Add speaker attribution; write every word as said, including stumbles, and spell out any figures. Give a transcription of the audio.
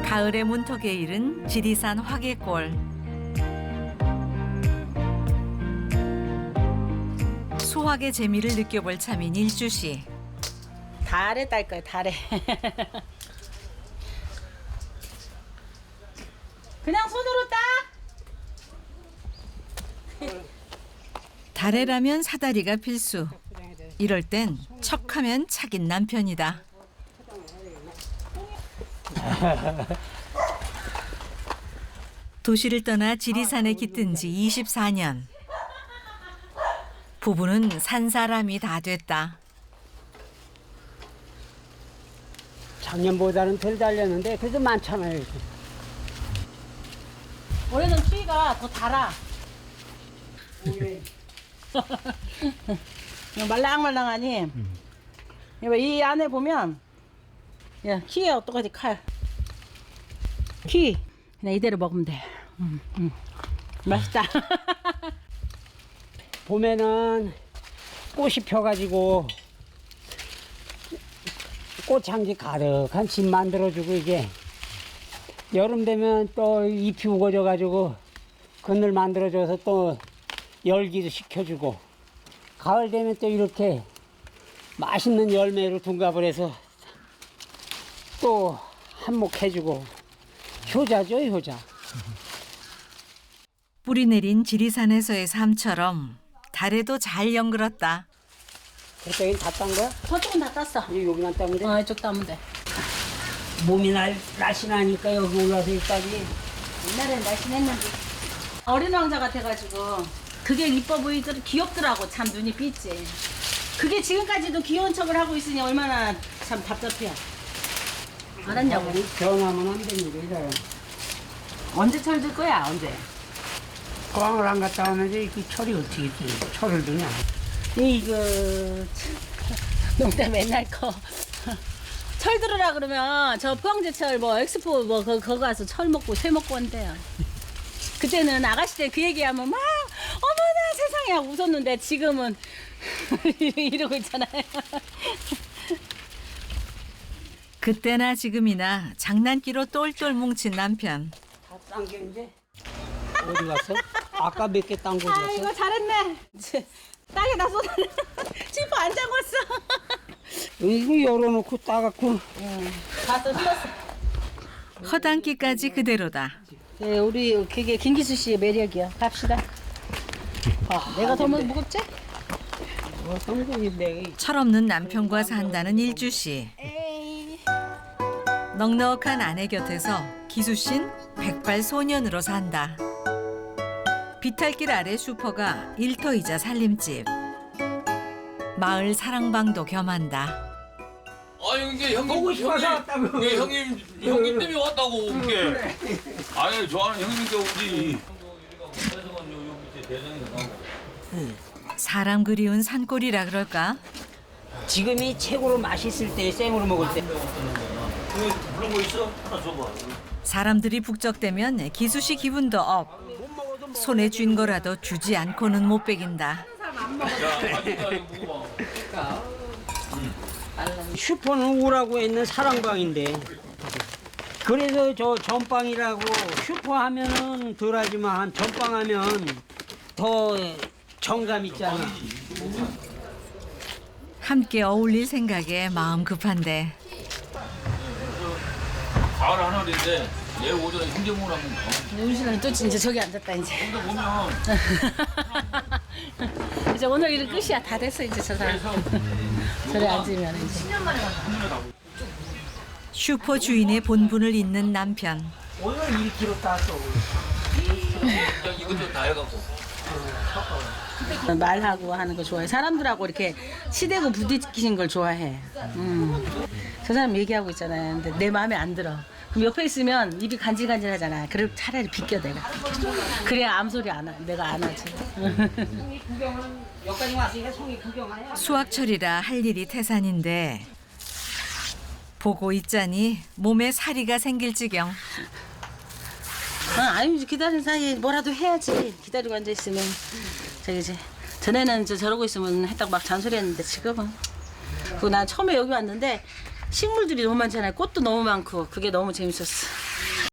Speaker 1: 가을의 문턱에 이른 지리산 화개골. 수확의 재미를 느껴볼 참인 일주 씨.
Speaker 2: 달에 딸 거야, 달에. 그냥 손으로 따.
Speaker 1: 달에라면 사다리가 필수. 이럴 땐 척하면 착인 남편이다. 도시를 떠나 지리산에 깃든 지 이십사 년. 부부는 산 사람이 다 됐다.
Speaker 3: 작년보다는 덜 달렸는데 그래도 많잖아요. 이렇게.
Speaker 2: 올해는 추위가 더 달아. 말랑말랑하니. 음. 이 안에 보면 야, 키에 어떡하지 칼. 키 그냥 이대로 먹으면 돼. 음, 음. 맛있다.
Speaker 3: 봄에는 꽃이 펴가지고 꽃향기 가득한 집 만들어주고 이게 여름 되면 또 잎이 우거져가지고 그늘 만들어줘서 또 열기도 식혀주고 가을 되면 또 이렇게 맛있는 열매로 둔갑을 해서 또 한몫해주고 효자죠, 효자.
Speaker 1: 뿌리 내린 지리산에서의 삶처럼 달에도 잘 연그렀다.
Speaker 3: 그쪽엔 다 딴 거야?
Speaker 2: 저쪽은 다 땄어.
Speaker 3: 이 여기만 따면 돼?
Speaker 2: 어, 이쪽 따면 돼.
Speaker 3: 몸이 날, 날씬하니까 여기 올라서 여기까지.
Speaker 2: 옛날엔 날씬했는데 어린 왕자 같아가지고 그게 이뻐 보이더라. 귀엽더라고. 참 눈이 삐지. 그게 지금까지도 귀여운 척을 하고 있으니 얼마나 참 답답해. 알았냐고.
Speaker 3: 변하면 안 됩니다, 이래요.
Speaker 2: 언제 철들 거야? 언제?
Speaker 3: 포항을 안 갔다 오면 이그 철이 어떻게 돼? 철을 드냐?
Speaker 2: 이거 참, 농담 맨날 거. 철 들으라 그러면 저 포항제철 뭐 엑스포 뭐 거, 거기 가서 철 먹고 쇠 먹고 한대요. 그때는 아가씨들 그 얘기하면 막 어머나 세상에 하고 웃었는데 지금은 이러고 있잖아요.
Speaker 1: 그때나 지금이나 장난기로 똘똘 뭉친 남편.
Speaker 3: 다 딴 게 이제 어디 갔어? 아까 몇 개 딴 거
Speaker 2: 아
Speaker 3: 줬어?
Speaker 2: 이거 잘했네. 땅에 다 쏟아. 지퍼 안 잠궜어.
Speaker 3: 이거 열어놓고 따갖고
Speaker 2: 가서 흘렀어.
Speaker 1: 허당기까지 그대로다.
Speaker 2: 네, 우리 그게 김기수 씨의 매력이야. 갑시다. 아, 내가 더 무겁지?
Speaker 3: 어, 성공이 내가
Speaker 1: 철없는 남편과 산다는 일주 씨. 넉넉한 아내 곁에서 기수 씨는 백발 소년으로 산다. 비탈길 아래 슈퍼가 일터이자 살림집. 마을 사랑방도 겸한다.
Speaker 4: 아니 이게 형님
Speaker 3: 보고 싶어서
Speaker 4: 형님,
Speaker 3: 왔다고.
Speaker 4: 예, 형님 형님 때문에 왔다고 이게. 아니 좋아하는 형님께 오지.
Speaker 1: 사람 그리운 산골이라 그럴까?
Speaker 3: 지금이 최고로 맛있을 때 생으로 먹을 때.
Speaker 4: 그런 거 있어? 하나 줘봐.
Speaker 1: 사람들이 북적대면 기수 씨 기분도 업. 손에 쥔 거라도 주지 않고는 못 베긴다.
Speaker 4: 야, 아직도 이거 먹어봐.
Speaker 3: 슈퍼는 우라고 있는 사랑방인데 그래서 저 전방이라고 슈퍼 하면은 덜하지만 전방 하면 더 정감 있잖아.
Speaker 1: 함께 어울릴 생각에 마음 급한데
Speaker 4: 가을 하늘인데 내일 오전에 ಹಿಂ제목을 한번 가.
Speaker 2: 윤신은 또 이제 저기 앉았다 이제.
Speaker 4: 근데 보면
Speaker 2: 이제 오늘 일은 끝이야. 다 됐어 이제 저 사람. 저래 앉으면 이제.
Speaker 1: 슈퍼 주인의 본분을 잇는 남편.
Speaker 3: 오늘 일 킬로그램 땄어.
Speaker 4: 그냥 이것도 다 해갖고.
Speaker 2: 말하고 하는 거 좋아해. 사람들하고 이렇게 치대고 부딪히는 걸 좋아해. 음. 저 사람 얘기하고 있잖아요. 근데 내 마음에 안 들어. 그럼 옆에 있으면 입이 간질간질하잖아. 그럼 차라리 비껴 내가. 그래야 아무 소리 안 하. 내가 안 하지.
Speaker 3: 여기까지 왔으니까 송이 구경하냐?
Speaker 1: 수확철이라 할 일이 태산인데 보고 있자니 몸에 사리가 생길 지경.
Speaker 2: 어, 아니 기다리는 사이에 뭐라도 해야지. 기다리고 앉아 있으면 저기 이제 전에는 저 저러고 있으면 했다고 막 잔소리했는데 지금은. 그난 처음에 여기 왔는데 식물들이 너무 많잖아요. 꽃도 너무 많고 그게 너무 재밌었어.